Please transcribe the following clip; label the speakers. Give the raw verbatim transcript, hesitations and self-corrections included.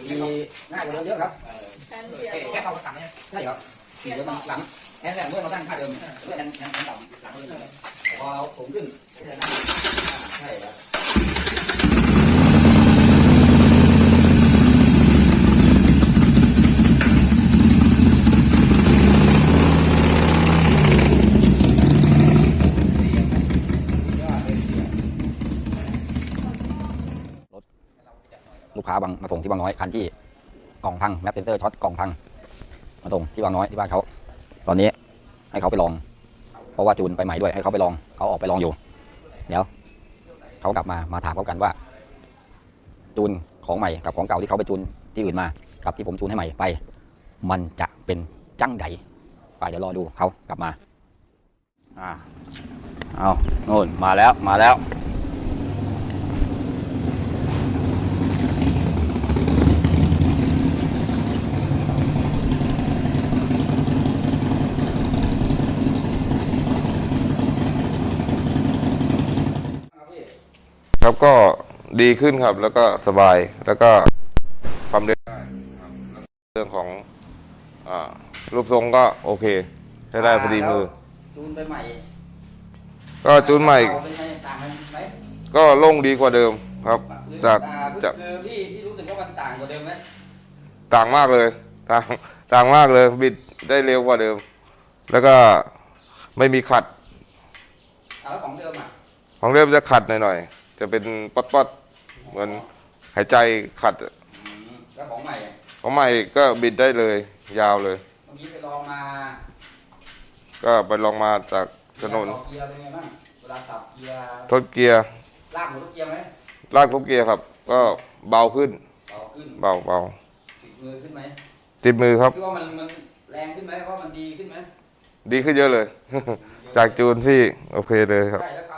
Speaker 1: ขี่ง่ายกว่าเดิมเยอะครับแค่เข้ามาสั่งเนี่ยใช่ครับขี่แล้วมันหลังแอนแรกเมื่อเราตั้งค่าเดิมเมื่อแอนแอนต่ำหลังเลยพอเราสูงขึ้นใช่ครับลูกค้าบางมาส่งที่บางน้อยคันที่กล่องพังแมปเซนเซอร์ช็อตกล่องพังมาส่งที่บางน้อยที่บ้านเขาตอนนี้ให้เขาไปลองเพราะว่าจูนไปใหม่ด้วยให้เขาไปลองเขาออกไปลองอยู่เดี๋ยวเขากลับมามาถามเขากันว่าจูนของใหม่กับของเก่าที่เขาไปจูนที่อื่นมากับที่ผมจูนให้ใหม่ไปมันจะเป็นจังไดไปเดี๋ยวรอดูเขากลับมาอ่าเอาโน่นมาแล้วมาแล้ว
Speaker 2: ครับก็ดีขึ้นครับแล้วก็สบายแล้วก็ความเร็วเรื่องของอ่ารูปทรงก็โอเคใช้ได้พอดีมือ
Speaker 1: จูนไปใหม่
Speaker 2: ก็จูนใหม่ก็โล่งดีกว่าเดิมครับจากจาก
Speaker 1: คือพี่พี่รู้สึกว่ามันต่างกว่าเดิมไหม
Speaker 2: ต่างมากเลยต่างต่างมากเลยบิดได้เร็วกว่าเดิมแล้วก็ไม่มีขัด
Speaker 1: แล้วของเดิมอ่ะ
Speaker 2: ของเดิมจะขัดหน่อยๆจะเป็นป๊อดๆเหมือนหายใจขัด
Speaker 1: แล้วของใหม่
Speaker 2: ของใหม่ก็บิดได้เลยยาวเลย
Speaker 1: เมื่อกี้ไปลองมา
Speaker 2: ก็ไปลองมาจากถนน
Speaker 1: เกียร์เป็นไงบ้างเวลาขับเกียร์
Speaker 2: ทดเกียร์
Speaker 1: ลากหัวทดเกียร์ไหม
Speaker 2: ลากทดเกียร์ครับก็เบาขึ้น
Speaker 1: เบาขึ้น
Speaker 2: เบาเบา
Speaker 1: ติดมือขึ้นไหม
Speaker 2: ติดมือครับ
Speaker 1: คิดว่ามันมันแรงขึ้นไหมเพราะมันดีขึ้นไหม
Speaker 2: ดีขึ้นเยอะเลยจากจูนที่โอเคเลยครับ
Speaker 1: ใช่แล้ว